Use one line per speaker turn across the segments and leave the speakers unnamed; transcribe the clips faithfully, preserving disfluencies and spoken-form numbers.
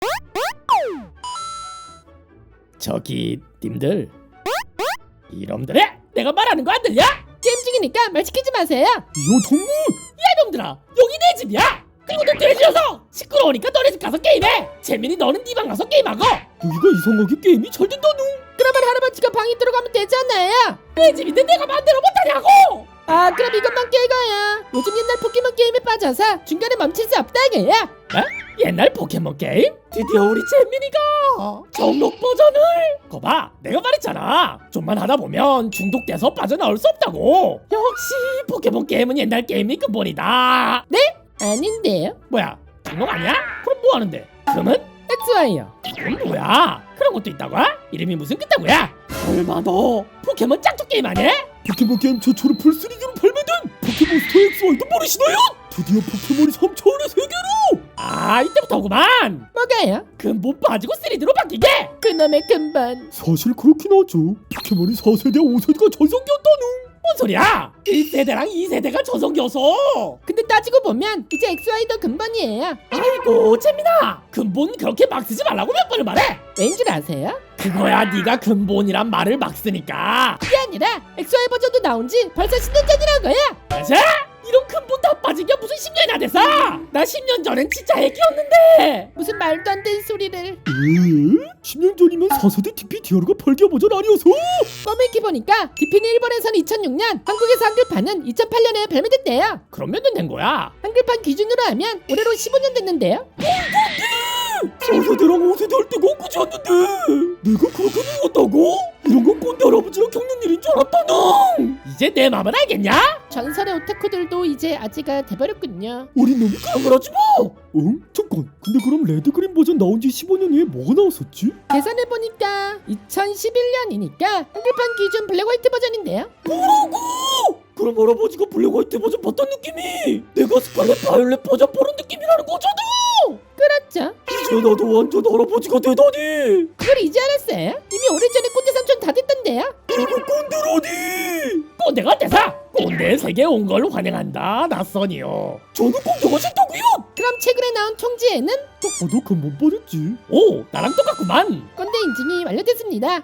저기 님들, 이놈들아, 내가 말하는 거 안 들려?
게임 중이니까 말 시키지 마세요.
여동무!
야 이놈들아, 여기 내 집이야. 그리고 너 돼지여서 시끄러우니까 너네 집 가서 게임해. 재민이 너는 네 방 가서 게임하고.
여기가 이상하게 게임이 잘 된다누.
그러면 할아버지가 방에 들어가면 되지 않나요?
내 집인데 내가 마음대로 못하냐고.
아 그럼 이것만 깨고요. 요즘 옛날 포켓몬 게임에 빠져서 중간에 멈출 수 없다고요.
어? 옛날 포켓몬 게임? 드디어 우리 재민이가 정록 버전을. 거봐, 내가 말했잖아. 좀만 하다 보면 중독돼서 빠져나올 수 없다고. 역시 포켓몬 게임은 옛날 게임이 근본이다.
네? 아닌데요.
뭐야, 정록 아니야? 그럼 뭐 하는데? 금은?
엑스와이요.
그럼 뭐야? 그런 것도 있다고? 이름이 무슨 그따구야? 설마 너 포켓몬 짝퉁 게임 아니야?
포켓몬 게임 최초로 풀쓰리디로 발매된 포켓몬스터 엑스와이도 모르시나요? 드디어 포켓몬이 삼 차원의 세계로!
아, 이때부터구만.
뭐가요?
근본 빠지고 쓰리디로 바뀌게.
그놈의 근본.
사실 그렇긴 하죠. 포켓몬이 사 세대, 오 세대가 전성기였다누.
뭔 소리야? 일 세대랑 이 세대가 저성기여서.
근데 따지고 보면 이제 엑스와이도 근본이에요.
아이고 재민아, 근본 그렇게 막 쓰지 말라고 몇 번을 말해.
왠 줄 아세요?
그거야 네가 근본이란 말을 막 쓰니까.
그게 아니라 엑스와이 버전도 나온 지 벌써 십 년 전이라고요.
맞아? 이런 근본 다 빠진 게 무슨 십 년이나 돼서? 나 십 년 전엔 진짜 애기였는데.
무슨 말도 안 되는 소리를.
에? 십 년 전이면 사 세대 디피디아르가 팔 개 버전 아니어서?
껌읽기 보니까 디피는 일본에서는 이천육 년, 한국에서 한글판은 이천팔 년에 발매됐대요.
그럼 몇 년 된 거야?
한글판 기준으로 하면 올해로 십오 년 됐는데요.
사 세대랑 오 세대 할 때가 엊그제 였는데 내가 그렇게 늙었다고? 이런 건 꼰대 할아버지랑 겪는 일인 줄 알았다나.
이제 내 맘은 알겠냐?
전설의 오타쿠들도 이제 아재가 돼버렸군요.
어린 놈이
그럼 그렇지 뭐.
응? 잠깐, 근데 그럼 레드그린 버전 나온 지 십오 년 후에 뭐가 나왔었지?
계산해보니까 이천십일 년이니까 한글판 기준 블랙 화이트 버전인데요.
뭐라고? 그럼 할아버지가 블랙 화이트 버전 봤던 느낌이 내가 스칼렛 바이올렛 버전 보는 느낌이라는 거잖아.
그렇죠.
이제 나도 완전 할아버지가 되다니.
그걸 이제 알았어요? 이미 오래전에 꼰대 삼촌 다 됐던데요.
이거 꼰대라니.
꼰대가 돼서 꼰대 세계에 온 걸 환영한다 낯선이요.
저는 꼰대가 싫다고요.
그럼 최근에 나온 총지에는
딱 봐도 근본 빠졌지.
오, 나랑 똑같구만.
꼰대 인증이 완료됐습니다.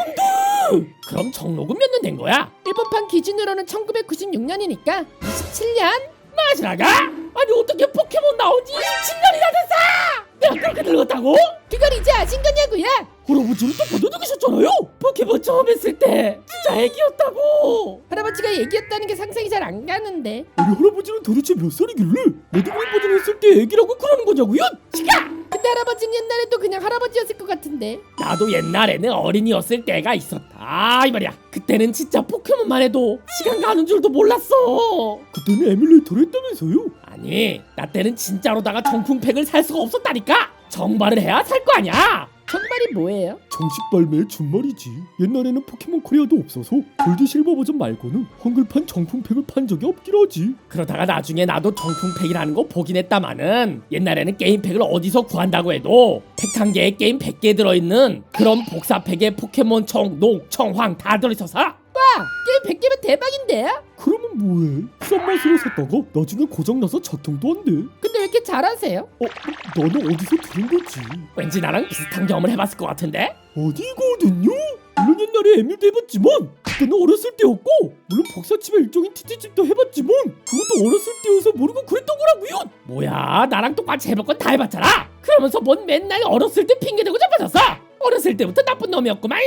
안돼.
그럼 정록은 몇 년 된 거야?
일본판 기준으로는 천구백구십육 년이니까 이십칠 년?
마시라가? 아니 어떻게 포켓몬 나온 지 이십칠 년이나 됐어? 내가 그렇게 늙었다고?
그걸 이제 아신 거냐고요?
할아버지는 딱 봐도 늙으셨잖아요.
포켓몬 처음 했을 때 진짜 애기였다고.
할아버지가 얘기했다는 게 상상이 잘 안 가는데.
우리 할아버지는 도대체 몇 살이길래 레드그린 버전 했을 때 애기라고 그러는 거냐고요?
근데 할아버지는 옛날에도 그냥 할아버지였을 것 같은데.
나도 옛날에는 어린이였을 때가 있었다 이 말이야. 그때는 진짜 포켓몬만 해도 시간 가는 줄도 몰랐어.
그때는 에뮬레이터를 했다면서요?
아니, 나 때는 진짜로다가 정품팩을 살 수가 없었다니까. 정발을 해야 살 거 아니야.
정발이 뭐예요?
정식 발매의 준말이지. 옛날에는 포켓몬 코리아도 없어서 골드 실버 버전 말고는 한글판 정품팩을 판 적이 없긴 하지.
그러다가 나중에 나도 정품팩이라는 거 보긴 했다마는 옛날에는 게임팩을 어디서 구한다고 해도 팩 한 개에 게임 백 개 들어있는 그런 복사팩에 포켓몬 청, 녹, 청황 다 들어있어서.
와! 게임 백 개면 대박인데요?
그러면 뭐해? 싼 맛으로 샀다가 나중에 고장나서 작동도 안 돼.
근데 왜 이렇게 잘하세요?
어? 너는 어디서 들은 거지?
왠지 나랑 비슷한 경험을 해봤을 것 같은데?
어디거든요? 물론 옛날에 에밀도 해봤지만 그때는 어렸을 때였고, 물론 복사칩의 일종인 티티칩도 해봤지만 그것도 어렸을 때여서 모르고 그랬던 거라고요.
뭐야, 나랑 똑같이 해볼 건 다 해봤잖아. 그러면서 뭔 맨날 어렸을 때 핑계대고 자빠졌어. 어렸을 때부터 나쁜 놈이었구만.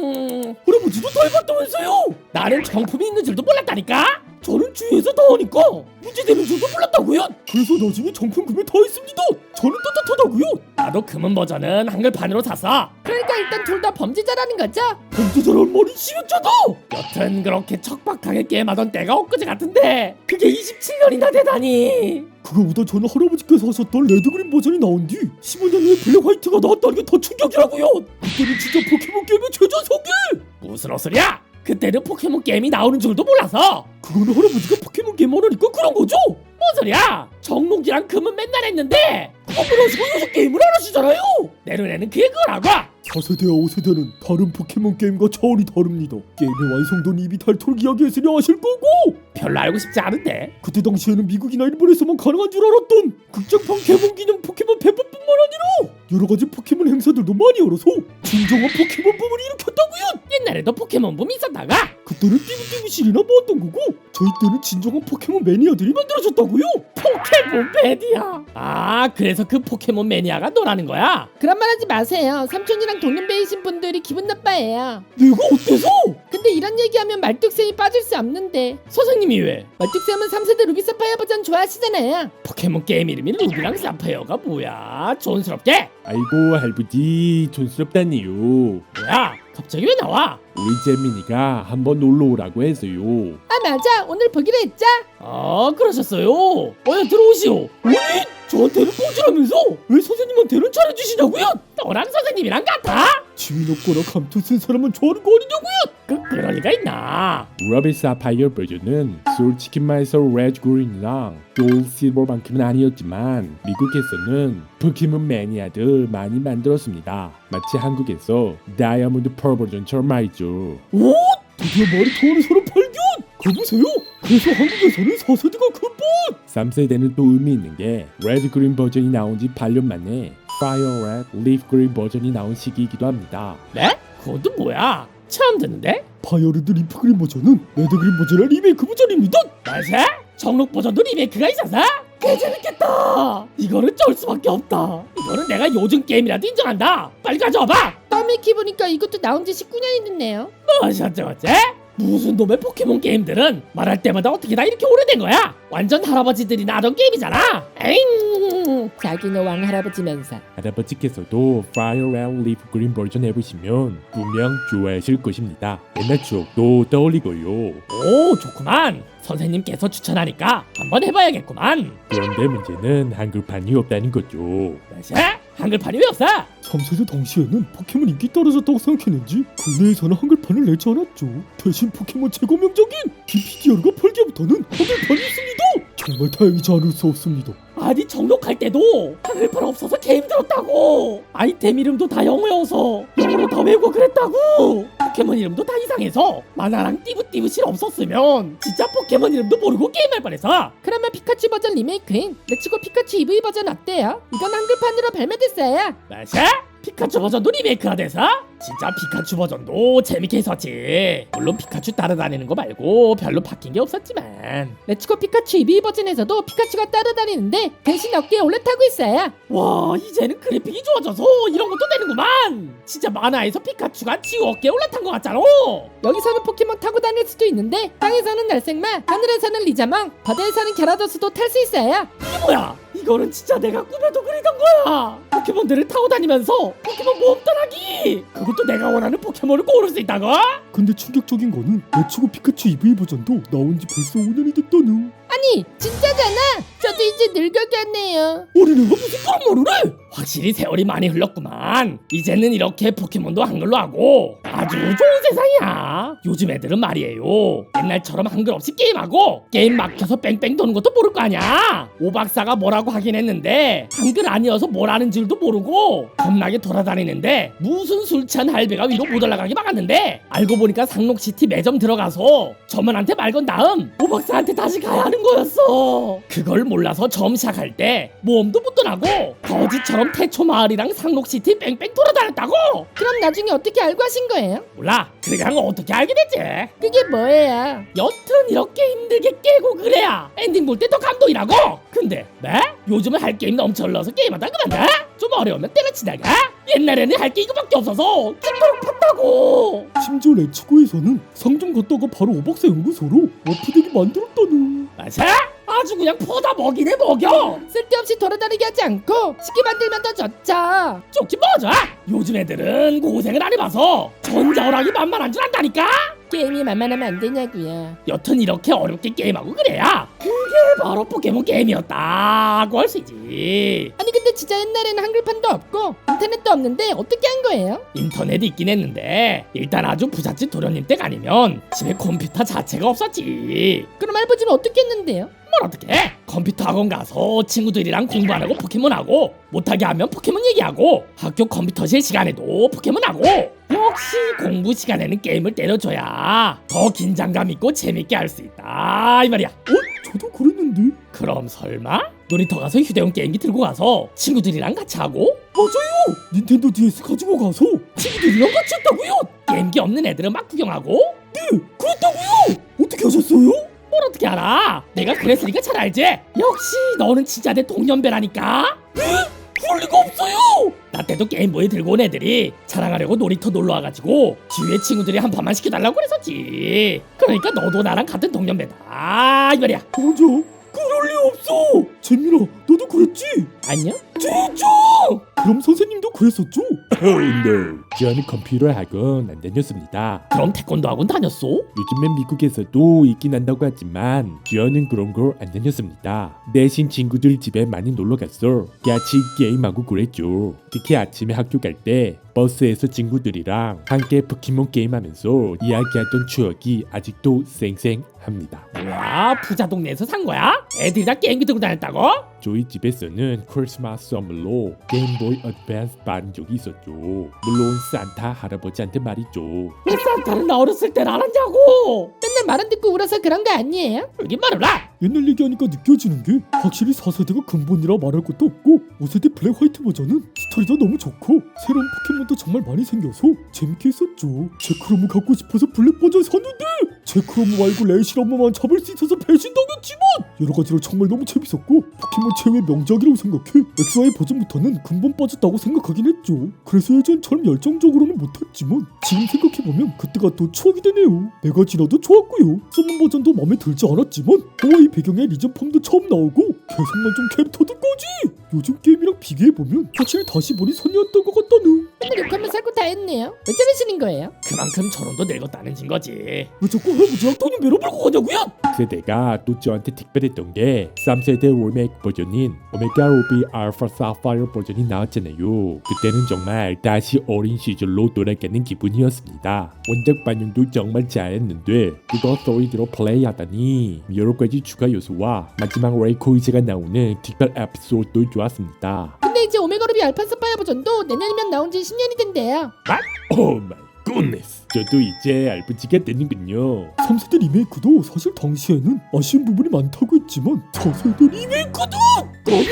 할아버지도 다 해봤다면서요?
나는 정품이 있는 줄도 몰랐다니까.
저는 주위에서 다 하니까 문제되는 줄도 몰랐다고요. 그래서 나중에 정품 구매 다 했습니다. 저는 떳떳하다고요.
나도 금은 버전은 한글판으로 샀어.
그러니까 일단 둘 다 범죄자라는 거죠?
범죄자란 말이 심했잖아.
여튼 그렇게 척박하게 게임하던 때가 엊그제 같은데 그게 이십칠 년이나 되다니.
그거보다 저는 할아버지께서 하셨던 레드그린 버전이 나온 뒤 십오 년 후에 블랙 화이트가 나왔다는 게 더 충격이라고요. 그때는 진짜 포켓몬 게임의 최전성기.
무슨 헛소리야? 그때는 포켓몬 게임이 나오는 줄도 몰라서.
그거는 할아버지가 포켓몬 게임 하니까 그런 거죠.
뭔 소리야? 정록이랑 금은 맨날 했는데
그걸 하시고 요새 게임을 안 하시잖아요.
내 눈에는 그게 그거라고.
사 세대와 오 세대는 다른 포켓몬 게임과 차원이 다릅니다. 게임의 완성도는 이미 닳도록 이야기했으니 아실 거고.
별로 알고 싶지 않은데.
그때 당시에는 미국이나 일본에서만 가능한 줄 알았던 극장판 개봉 기념 포켓몬 배포뿐만 아니라 여러 가지 포켓몬 행사들도 많이 열어서 진정한 포켓몬 붐을 일으켰다고요.
옛날에도 포켓몬 붐이 있었다가
그때는 띠부띠부실이나 모았던 거고 저희 때는 진정한 포켓몬 매니아들이 만들어졌다고요.
포켓몬 매니아. 아, 그래서 그 포켓몬 매니아가 너라는 거야?
그런 말 하지 마세요. 삼촌이랑 동년배이신 분들이 기분 나빠해요.
내가 어때서?
근데 이런 얘기하면 말뚝쌤이 빠질 수 없는데
선생님이 왜?
말뚝쌤은 삼 세대 루비 사파이어 버전 좋아하시잖아요.
포켓몬 게임 이름이 루비랑 사파이어가 뭐야? 촌스럽게?
아이고 할아버지 촌스럽다니요.
뭐야? 갑자기 왜 나와?
우리 재민이가 한번 놀러 오라고 해서요.
아 맞아, 오늘 보기로 했죠?
아, 그러셨어요? 어여 들어오시오.
아니 저한테는 뽀지라면서 왜 선생님한테는 잘해주시냐고요?
너랑 선생님이랑 같아?
지윈 없거나 감투 쓴 사람만 좋아하는 거 아니냐고요?
그, 그럴 리가 있나?
루비 사파이어 버전은 솔직히 말해서 레드 그린이랑 골드 실버만큼은 아니었지만 미국에서는 포켓몬 매니아들 많이 만들었습니다. 마치 한국에서 다이아몬드 펄 버전처럼 말이죠.
오? 드디어 말이 통하는 사람 발견! 가보세요. 그래서 한국에서는 사 세대가 근본!
삼 세대는 또 의미 있는 게 레드 그린 버전이 나온 지 팔 년 만에 파이어 레드 리프 그린 버전이 나온 시기이기도 합니다.
네? 그것도 뭐야? 처음 듣는데?
파이어레드 리프 그린 버전은 레드 그린 버전의 리메이크 버전입니다.
맞아? 정록 버전도 리메이크가 있어서? 개 재밌겠다. 이거는 쩔 수밖에 없다. 이거는 내가 요즘 게임이라도 인정한다. 빨리 가져와봐.
떠미키 보니까 이것도 나온 지 십구 년이 됐네요.
어쩌저쩌? 무슨 놈의 포켓몬 게임들은 말할 때마다 어떻게 다 이렇게 오래된 거야? 완전 할아버지들이나 하던 게임이잖아. 에잉.
자기는 왕 할아버지면서.
할아버지께서도 파이어 레드 리프 그린 버전 해보시면 분명 좋아하실 것입니다. 옛날 추억도 떠올리고요.
오, 좋구만. 선생님께서 추천하니까 한번 해봐야겠구만.
그런데 문제는 한글판이 없다는 거죠.
뭐지? 한글판이 왜 없어?
삼 세대 당시에는 포켓몬 인기 떨어졌다고 생각했는지 국내에서는 한글판을 내지 않았죠. 대신 포켓몬 최고 명작인 디피디아르가 팔 개부터는 한글판이 있습니다. 정말 다행이지 않을 수 없습니다.
아니, 정록할 때도 한글판 없어서 개 힘들었다고. 아이템 이름도 다 영어여서 영어로 다 외우고 그랬다고. 포켓몬 이름도 다 이상해서 만화랑 띠부띠부실 없었으면 진짜 포켓몬 이름도 모르고 게임할 뻔했어.
그러면 피카츄 버전 리메이크인 레츠고 피카츄 이브이 버전 어때요? 이건 한글판으로 발매됐어요.
맞아? 피카츄 버전도 리메이크가 돼서? 진짜 피카츄 버전도 재밌게 했었지. 물론 피카츄 따라다니는 거 말고 별로 바뀐 게 없었지만.
레츠고 피카츄 이브이 버전에서도 피카츄가 따라다니는데 대신 어깨에 올라타고 있어요.
와, 이제는 그래픽이 좋아져서 이런 것도 되는구만. 진짜 만화에서 피카츄가 지우 어깨에 올라탄 것 같잖아.
여기서는 포켓몬 타고 다닐 수도 있는데 땅에서는 날생마, 하늘에서는 리자몽, 바다에서는 갸라도스도 탈 수 있어요.
이게 뭐야? 이거는 진짜 내가 꿈에도 그리던 거야. 포켓몬들을 타고 다니면서 포켓몬 모험 떠나기. 그것도 내가 원하는 포켓몬을 고를 수 있다고?
근데 충격적인 거는 레츠고 피카츄 이브이 버전도 나온 지 벌써 오 년이 됐다는.
아니 진짜잖아. 저도 이제 늙어갔네요.
어린애가 무슨 그런 말을 해?
확실히 세월이 많이 흘렀구만. 이제는 이렇게 포켓몬도 한글로 하고 아주 좋은 세상이야. 요즘 애들은 말이에요, 옛날처럼 한글 없이 게임하고 게임 막혀서 뺑뺑 도는 것도 모를 거 아니야. 오박사가 뭐라고 하긴 했는데 한글 아니어서 뭘 하는 줄도 모르고 겁나게 돌아다니는데 무슨 술 취한 할배가 위로 못 올라가게 막았는데 알고 보니까 상록시티 매점 들어가서 점원한테 말 건 다음 오박사한테 다시 가야 하는 거였어. 그걸 몰라서 처음 시작할 때 모험도 못 떠나고 거지처럼 태초 마을이랑 상록시티 뺑뺑 돌아다녔다고.
그럼 나중에 어떻게 알고 하신 거예요?
몰라, 그냥 어떻게 알게 됐지.
그게 뭐예요?
여튼 이렇게 힘들게 깨고 그래야 엔딩 볼 때 더 감동이라고. 근데 네? 요즘은 할 게임 넘쳐 흘러서 게임하다 그만둬? 좀 어려우면 때려치다가. 옛날에는 할 게 이거밖에 없어서 죽도록 팠다고.
심지어 레츠고에서는 상점 갔다가 바로 오박사 연구소로 워프덱이 만들었다는.
맞아? 아주 그냥 퍼다 먹이네 먹여.
쓸데없이 돌아다니게 하지 않고 쉽게 만들면 더 좋죠.
좋긴 뭐죠? 요즘 애들은 고생을 안 해봐서 전자오락이 만만한 줄 안다니까.
게임이 만만하면 안 되냐고요.
여튼 이렇게 어렵게 게임하고 그래야 그게 바로 포켓몬 게임이었다고 할 수 있지.
아니 근데 진짜 옛날에는 한글판도 없고 인터넷도 없는데 어떻게 한 거예요?
인터넷이 있긴 했는데 일단 아주 부잣집 도련님 댁 아니면 집에 컴퓨터 자체가 없었지.
그럼 할아버지는 어떻게 했는데요?
뭘 어떻게 해? 컴퓨터 학원 가서 친구들이랑 공부 안 하고 포켓몬 하고, 못하게 하면 포켓몬 얘기하고, 학교 컴퓨터실 시간에도 포켓몬 하고. 역시 공부 시간에는 게임을 때려줘야 더 긴장감 있고 재밌게 할 수 있다 이 말이야.
어? 저도 그랬는데.
그럼 설마 놀이터 가서 휴대용 게임기 들고 가서 친구들이랑 같이 하고
맞아요. 닌텐도 디에스 가지고 가서 친구들이랑 같이 했다고요.
게임기 없는 애들은 막 구경하고.
네, 그랬다고요. 어떻게 하셨어요?
뭘 어떻게 알아? 내가 그랬으니까 잘 알지? 역시 너는 진짜 내 동년배라니까.
그럴 리가 없어요.
나 때도 게임보이 들고 온 애들이 자랑하려고 놀이터 놀러 와가지고 주위에 친구들이 한 판만 시켜달라고 그랬었지. 그러니까 너도 나랑 같은 동년배다 이 말이야.
맞아. 그럴 리 없어. 재민아, 너도 그랬지?
아니요?
진짜? 그럼 선생님도 그랬었죠?
Oh no. 저는 컴퓨터 학원 안 다녔습니다.
그럼 태권도 학원 다녔어?
요즘엔 미국에서도 있긴 한다고 하지만 저는 그런 걸 안 다녔습니다. 대신 친구들 집에 많이 놀러 갔어. 같이 게임하고 그랬죠. 특히 아침에 학교 갈 때 버스에서 친구들이랑 함께 포켓몬 게임하면서 이야기하던 추억이 아직도 생생합니다.
뭐야 부자 동네에서 산 거야? 애들이 다 게임기 들고 다녔다고?
저희 집에서는 크리스마스 선물로 게임보이 어드밴스 받은 적이 있었죠. 물론 산타 할아버지한테 말이죠.
왜 산타는 나 어렸을 땐 안 왔냐고.
맨날 말은 듣고 울어서 그런 거 아니에요?
여기 말해라.
옛날 얘기하니까 느껴지는 게 확실히 사 세대가 근본이라 말할 것도 없고 오 세대 블랙 화이트 버전은 스토리도 너무 좋고 새로운 포켓몬도 정말 많이 생겨서 재밌게 했었죠. 제크로무 갖고 싶어서 블랙 버전 샀는데 제크로무 말고 레이시로무만 잡을 수 있어서 배신당했지만 여러가지로 정말 너무 재밌었고 포켓몬 최후의 명작이라고 생각해 엑스와이 버전부터는 근본 빠졌다고 생각하긴 했죠. 그래서 예전처럼 열정적으로는 못했지만 지금 생각해보면 그때가 또 추억이 되네요. 내가 지나도 좋았고요. 서문 버전도 마음에 들지 않았지만 하와이 배경에 리전 펌도 처음 나오고 개성만 좀 캐릭터들까지 요즘 게임이랑 비교해보면 확실히 다시 보니 선이었던 것 같다는.
맨날 욕하면 살고 다 했네요. 왜 저러시는 거예요?
그만큼 저놈도 늙었다는 증거지.
왜 자꾸 할아버지랑 돈이 매로 벌고 가냐고요?
세대가 또 저한테 특별했던 게 삼 세대 리메이크 버전인 오메가 루비 알파 사파이어 버전이 나왔잖아요. 그때는 정말 다시 어린 시절로 돌아가는 기분이었습니다. 원작 반영도 정말 잘했는데 그거 쓰리디로 플레이하다니 여러 가지 추가 요소와 마지막 레이코이즈가 나오는 특별 에피소드도 좋았습니다.
근데 이제 오메가루비 알파 사파이어 버전도 내년이면 나온 지 십 년이 된대요.
오 마이 굿네스. 저도 이제 알프지가 되는군요.
삼 세대 리메이크도 사실 당시에는 아쉬운 부분이 많다고 했지만 사 세대 리메이크도 너무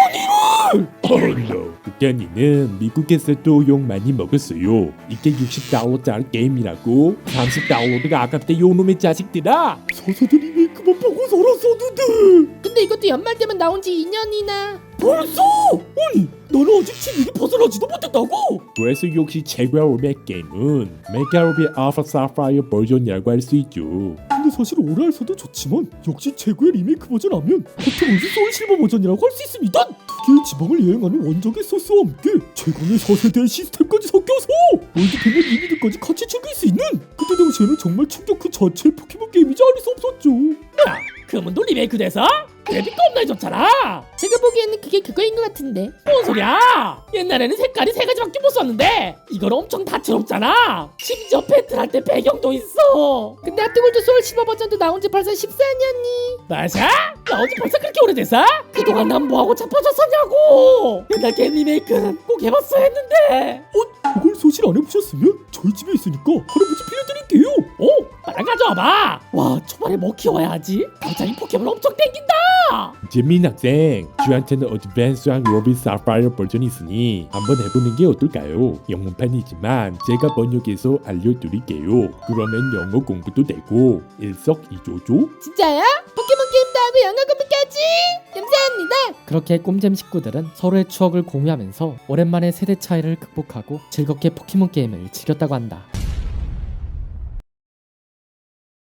국권이를
Oh no. 국견이는 미국에서도 욕 많이 먹었어요. 이게 육십 달러짜리 게임이라고? 삼십 달러가 아깝대 요놈의 자식들아.
사 세대 리메이크만 보고 살았었는데
근데 이것도 연말 되면 나온 지 이 년이나.
벌써? 아니 나는 아직 진흙이 벗어나지도 못했다고.
그래서 역시 최고의 리메이크 게임은 메가루비 알파 사파이어 버전이라고 할 수 있죠.
근데 사실 오래 할서도 좋지만 역시 최고의 리메이크 버전 하면 포켓몬즈 소울 실버 버전이라고 할 수 있습니다. 두 개의 지방을 여행하는 원작의 소스와 함께 최강의 사 세대의 시스템까지 섞여서 월드팬의 리미드까지 같이 즐길 수 있는 그때 당시에는 정말 충격 그 자체의 포켓몬 게임이지 않을 수 없었죠.
야, 그문도 리메이크 돼서? 그래픽 겁나 좋잖아.
제가 보기에는 그게 그거인 것 같은데.
뭔 소리야? 옛날에는 색깔이 세 가지밖에 못 썼는데 이건 엄청 다채롭잖아. 심지어 배틀할 때 배경도 있어.
근데 하트골드 소울 실버 버전도 나온 지 벌써 십사 년이.
맞아? 나온 지 벌써 그렇게 오래됐어? 그동안 난 뭐하고 자빠졌었냐고. 옛날 게임 리메이크는 꼭 해봤어야 했는데.
어? 그걸 소실 안 해보셨으면 저희 집에 있으니까 할아버지 빌려드릴게요.
오, 빨리 가져와봐. 와, 초반에 뭐 키워야 하지? 갑자기 포켓몬 엄청 땡긴다.
재민 학생, 저한테는 어드밴스한 로비 사파이어 버전이 있으니 한번 해보는 게 어떨까요? 영문판이지만 제가 번역해서 알려드릴게요. 그러면 영어 공부도 되고 일석이조죠?
진짜요? 포켓몬 게임도 하고 영어 공부까지. 감사합니다.
그렇게 꼼잼 식구들은 서로의 추억을 공유하면서 오랜만에 세대 차이를 극복하고 즐겁게 포켓몬 게임을 즐겼다고 한다.